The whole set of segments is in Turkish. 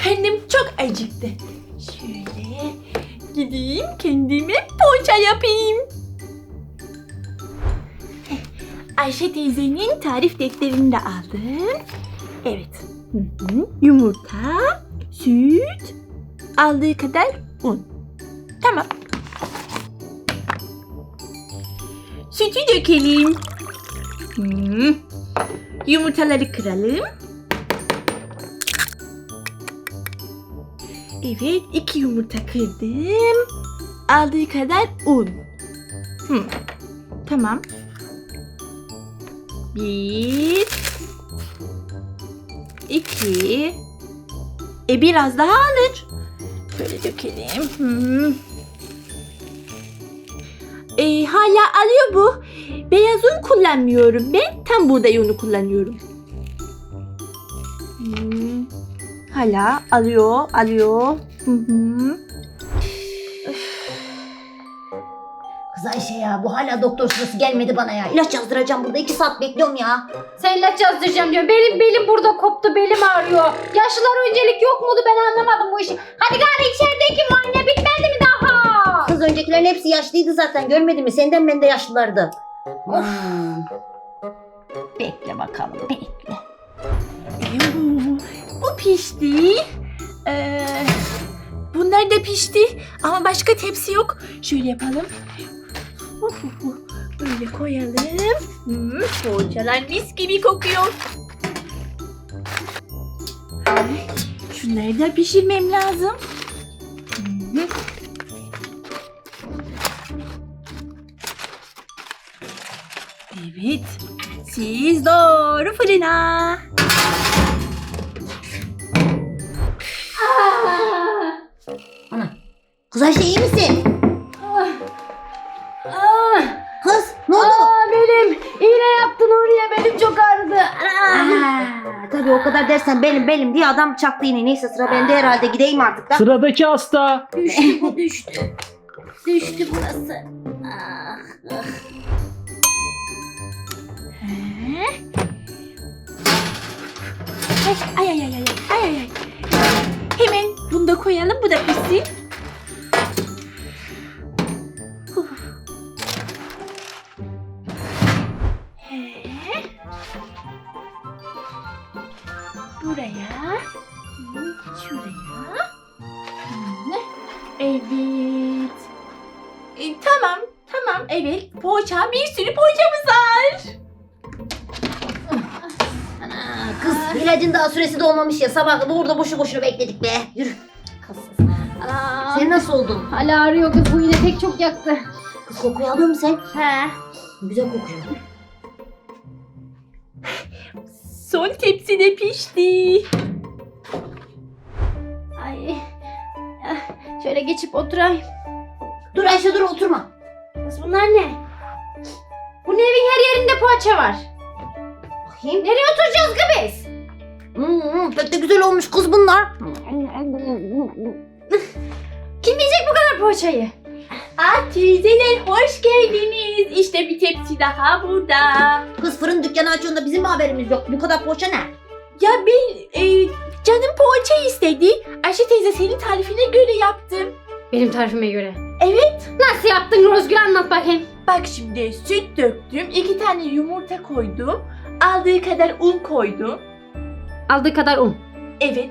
karnım çok acıktı. Şöyle gideyim kendime poğaça yapayım. Ayşe teyzenin tarif defterini de aldım. Evet. Yumurta, süt, aldığı kadar un. Tamam. Sütü dökelim. Yumurtaları kıralım. Evet, 2 yumurta kırdım. Aldığı kadar un. Tamam. 1 2 biraz daha alır. Şöyle dökelim. Hala alıyor bu. Beyaz un kullanmıyorum ben. Tam buğday unu kullanıyorum. Hala alıyor. Kız Ayşe ya, bu hala doktor sırası gelmedi bana ya. İlaç yazdıracağım burada, 2 saat bekliyorum ya. Sen ilaç yazdıracağım diyor. Belim burada koptu. Belim ağrıyor. Yaşlılar öncelik yok muydu? Ben anlamadım bu işi. Hadi gari içerideki muayene bitmedi mi daha? Kız öncekilerin hepsi yaşlıydı zaten, görmedin mi? Senden ben de yaşlılardı. Bekle bakalım, bekle. Bu pişti. Bunlar da pişti. Ama başka tepsi yok. Şöyle yapalım. Böyle koyalım. Poğaçalar mis gibi kokuyor. Şunları da pişirmem lazım. Evet. Siz doğru fırına. Ana. Kız Ayşe iyi misin? Kız ne oldu? Belim. İğne yaptın oraya. Belim çok ağrıdı. Tabii o kadar dersen belim diye adam çaktı yine. Neyse sıra bende herhalde, gideyim artık da. Sıradaki hasta. Düştü bu düştü. Düştü burası. Ay. Hemen bunu da koyalım. Bu da pişsin. Buraya. Şuraya. Evet. Tamam. Evet. Poğaça. Bir sürü poğaçamız var. Kız ilacın daha süresi dolmamış ya. Sabah burada boşu boşuna bekledik be. Yürü. Sen nasıl oldun? Hala ağrıyor kız. Bu iğne pek çok yaktı. Kız kokuyu alıyor musun sen? He. Güzel kokuyor. Son tepsi de pişti. Ay. Şöyle geçip oturayım. Dur Ayşe dur, oturma. Kız bunlar ne? Bu evin her yerinde poğaça var. Bakayım. Nereye oturacağız ki biz? Pek de güzel olmuş kız bunlar. Kim yiyecek bu kadar poğaçayı? Teyzeler hoş geldiniz. İşte bir tepsi daha burada. Kız fırın dükkanı açıyorsun da bizim mi haberimiz yok? Bu kadar poğaça ne? Ya ben canım poğaça istedi. Ayşe teyze senin tarifine göre yaptım. Benim tarifime göre. Evet. Nasıl yaptın Rozgül, anlat bakayım. Bak şimdi süt döktüm. 2 tane yumurta koydum. Aldığı kadar un koydum. Aldığı kadar un. Evet.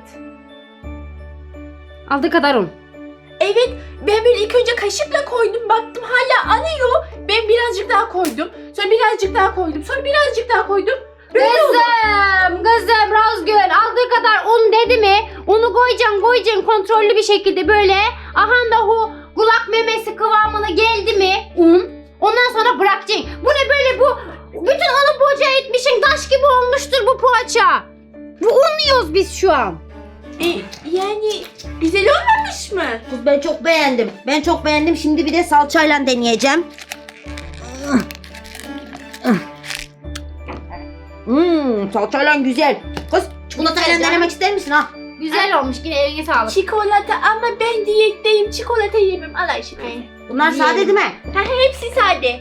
Aldığı kadar un. Evet. Ben böyle ilk önce kaşıkla koydum. Baktım hala anıyor. Ben birazcık daha koydum. Sonra birazcık daha koydum. Sonra birazcık daha koydum. Böyle oldu. Kızım Rozgül, aldığı kadar un dedi mi? Unu koyacaksın kontrollü bir şekilde böyle. Aha da o kulak memesi kıvamına geldi mi un? Ondan sonra bırakacaksın. Bu ne böyle bu? Bütün unu poğaça etmişsin. Taş gibi olmuştur bu poğaça. Bu un yiyoruz biz şu an. Yani güzel olmamış mı? Kız ben çok beğendim. Şimdi bir de salçayla deneyeceğim. Salçayla güzel. Kız çikolatayla denemek ister misin ha? Güzel olmuş, yine eline sağlık. Çikolata ama ben diyetteyim. Çikolata yemem. Al Ayşe teyze. Bunlar sade değil mi? Hepsi sade.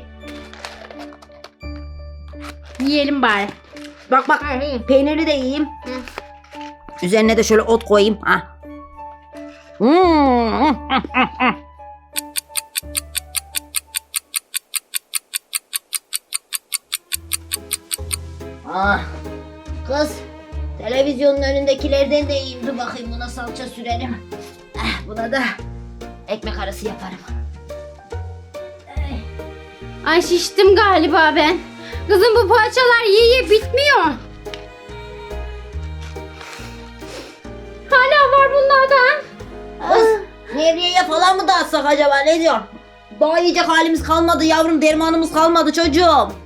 Yiyelim bari. Bak peyniri de yiyeyim. Üzerine de şöyle ot koyayım. Ha. Ah, kız, televizyonun önündekilerden de yiyeyim. Dur bakayım, buna salça sürerim. Buna da ekmek arası yaparım. Ay şiştim galiba ben. Kızım bu poğaçalar yiye bitmiyor. Hala var bunlardan. Kız, Nevriye'ye falan mı dağıtsak acaba, ne diyor? Daha yiyecek halimiz kalmadı yavrum, dermanımız kalmadı çocuğum.